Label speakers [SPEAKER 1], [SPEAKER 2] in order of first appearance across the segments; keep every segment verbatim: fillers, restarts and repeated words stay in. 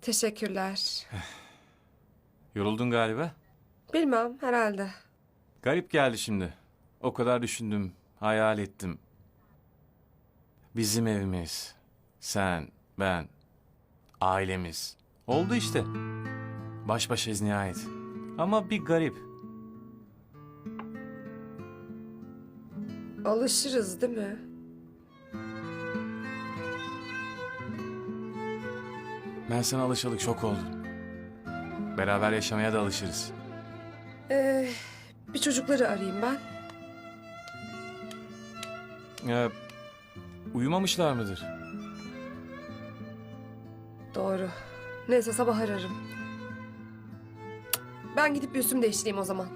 [SPEAKER 1] Teşekkürler.
[SPEAKER 2] Yoruldun galiba.
[SPEAKER 1] Bilmem, herhalde.
[SPEAKER 2] Garip geldi şimdi. O kadar düşündüm, hayal ettim. Bizim evimiz, sen, ben, ailemiz. Oldu işte. Baş başayız nihayet. Ama bir garip.
[SPEAKER 1] Alışırız değil mi?
[SPEAKER 2] Ben sana alışalık şok oldum. Beraber yaşamaya da alışırız.
[SPEAKER 1] Ee, bir çocukları arayayım ben.
[SPEAKER 2] Ee, uyumamışlar mıdır?
[SPEAKER 1] Doğru. Neyse sabah ararım. Ben gidip bir üstümü değiştireyim o zaman.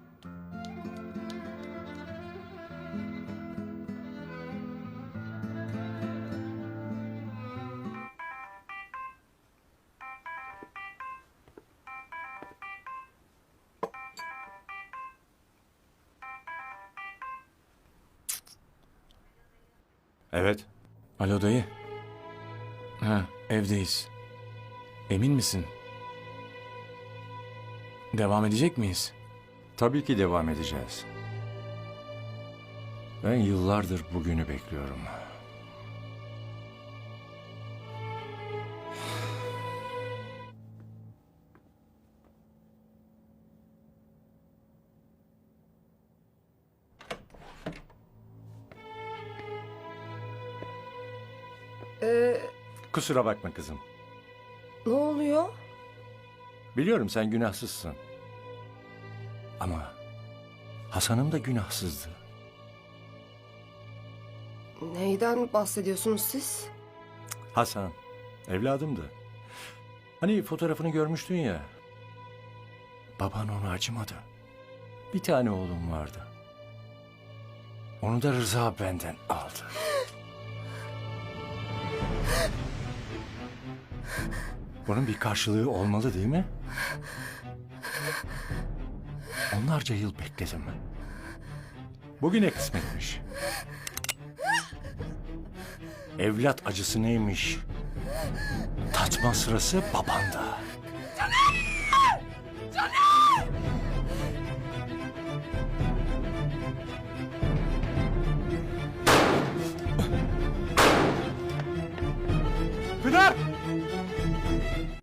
[SPEAKER 3] Evet.
[SPEAKER 2] Alo dayı. Ha, evdeyiz. Emin misin? Devam edecek miyiz?
[SPEAKER 3] Tabii ki devam edeceğiz. Ben yıllardır bugünü bekliyorum.
[SPEAKER 1] Ee,
[SPEAKER 3] Kusura bakma kızım.
[SPEAKER 1] ne oluyor?
[SPEAKER 3] Biliyorum sen günahsızsın. Ama Hasan'ım da günahsızdı.
[SPEAKER 1] Neyden bahsediyorsunuz siz?
[SPEAKER 3] Hasan, evladımdı. Hani fotoğrafını görmüştün ya. Baban ona acımadı. Bir tane oğlum vardı. Onu da Rıza benden aldı. Bunun bir karşılığı olmalı değil mi? Onlarca yıl bekledim. Bugüne kısmetmiş. Evlat acısı neymiş? Tatma sırası babanda.